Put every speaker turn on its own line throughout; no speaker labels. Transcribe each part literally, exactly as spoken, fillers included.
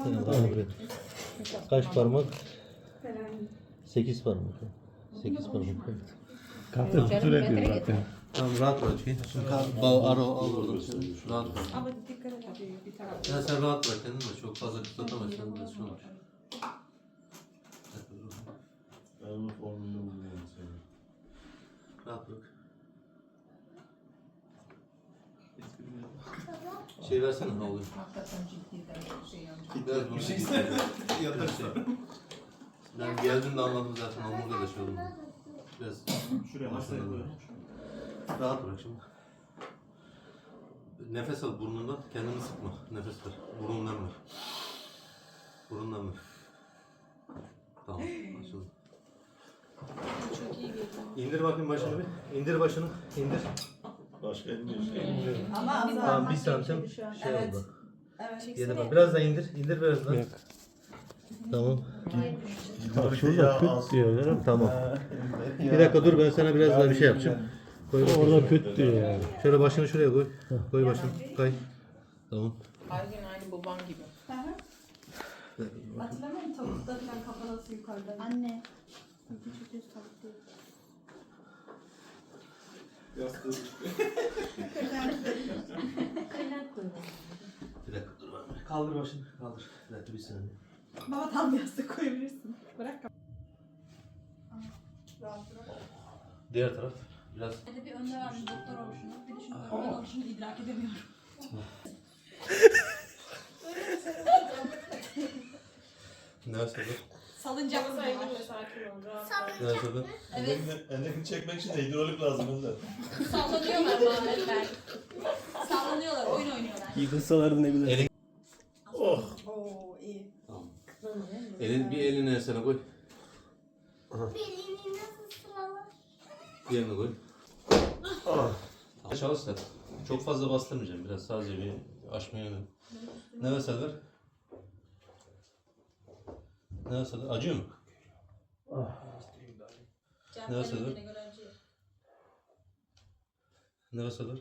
Tamam. Kaç parmak? Sekiz parmak. Sekiz parmak. Evet.
Kartı tutur ediyor zaten.
Tamam rahat bırak. Şimdi al ara al oradan. Rahat bırak.
Ama dikkat et abi bir tarafta.
Ya sen rahat bırak kendini de çok fazla kıtlatamazsan biraz şey olur.
Ben onun formülünü bilmiyorum senin.
Rahat bırak. Şey versene ne oluyor?
Hakikaten ciddi de şey yanlış.
Biraz bunu şey yatarsa. Ben geldiğimde anladım zaten omurga da şey oldu. Biraz
Şuraya masaya koy.
rahat bırak şimdi. Nefes al burnundan, kendini sıkma. Nefes ver. Burundan ver. Burundan ver. Tamam, açıldı.
Çok iyi geliyor.
İndir bakayım başını bir. İndir başını. İndir.
Başka elmiyor.
Ama
Tamam, bir santim şey
Evet.
oldu.
Evet.
Yedi bak. Biraz daha indir. İndir biraz daha.
Yok.
Tamam.
Bak şurada püt diyor değil mi?
Tamam. Bir dakika dur ben sana biraz daha bir şey yapacağım. Koy bakayım.
Orada püt diyor yani.
Şöyle başını şuraya koy. Koy başını. Kay. Tamam.
Aynen aynı babam gibi.
Hatırlamıyor musun tavukta falan kafa nasıl yukarıda?
Anne. Küçük düz tavuk değil.
Yastığı
Kaynak koyuyor.
Bir dakika dur ben. Kaldır başını. Kaldır. Bir dakika bir saniye.
Baba tam yastık koyabilirsin. Bırak kafa. Rahat bırak.
Diğer taraf. Biraz.
Hadi bir önde vermiş doktor olmuşunu. Bir de şunu böyle olmuşunu idrak edemiyorum.
Ne nasıl?
Salıncak mı var?
Ne nasıl?
Evet.
Endekini çekmek için de hidrolik lazım Önder.
Sallanıyorlar Muhammedler. Sallanıyorlar, oyun oynuyorlar.
Yıkılsalar ne güzel.
Elin.
Oh.
Oo iyi.
Tamam. Elin, bir elini ensene koy.
Belini nasıl sıralar?
Diğerini koy. Tamam. Çalış sen. Çok fazla bastırmayacağım. Biraz sadece bir açmaya yönelim. Nefes al ver. Nefes al. Acıyor mu? Nefes al ver. Nefes al ver.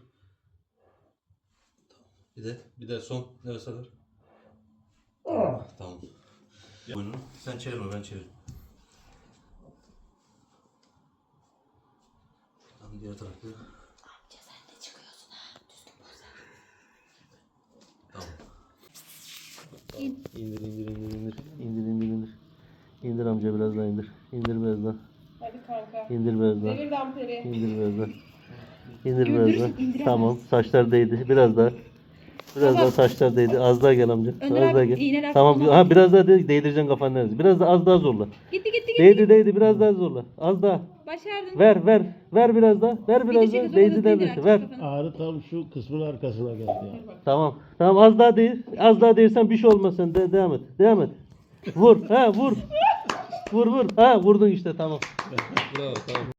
Bir de, bir de son nefes al ver. Tamam. Boynunu. Sen çevirme, ben çeviririm. Tamam, diğer tarafta.
Amca sen de çıkıyorsun ha. Düzgün bozar.
Tamam. İndir, indir, indir, indir. İndir, indir, indir. İndir amca biraz daha indir. İndir biraz daha.
Hadi kanka.
İndir biraz daha.
Devir damperi.
İndir biraz daha. İndir biraz daha. Tamam, saçlar değdi. Biraz daha. Biraz daha saçlar değdi. Az daha gel amca. Az daha gel. Tamam. Ha biraz daha de- değdireceksin kafanı neresi. Biraz daha az daha zorla.
Gitti gitti gitti.
Değdi değdi biraz daha zorla. Az daha.
Başardın.
Ver ver. Ver biraz daha. Ver biraz
Gidecek
daha.
kız,
Değdi
orası
değdi.
değdir,
Ver.
aç kafanı.
Ağrı tam şu kısmın arkasına geldi ya.
Tamam. Tamam az daha değil. Az daha değilsen bir şey olmasın. De devam et. Devam et. Vur. Ha vur. Vur vur. Ha vurdun işte tamam. Bravo tamam.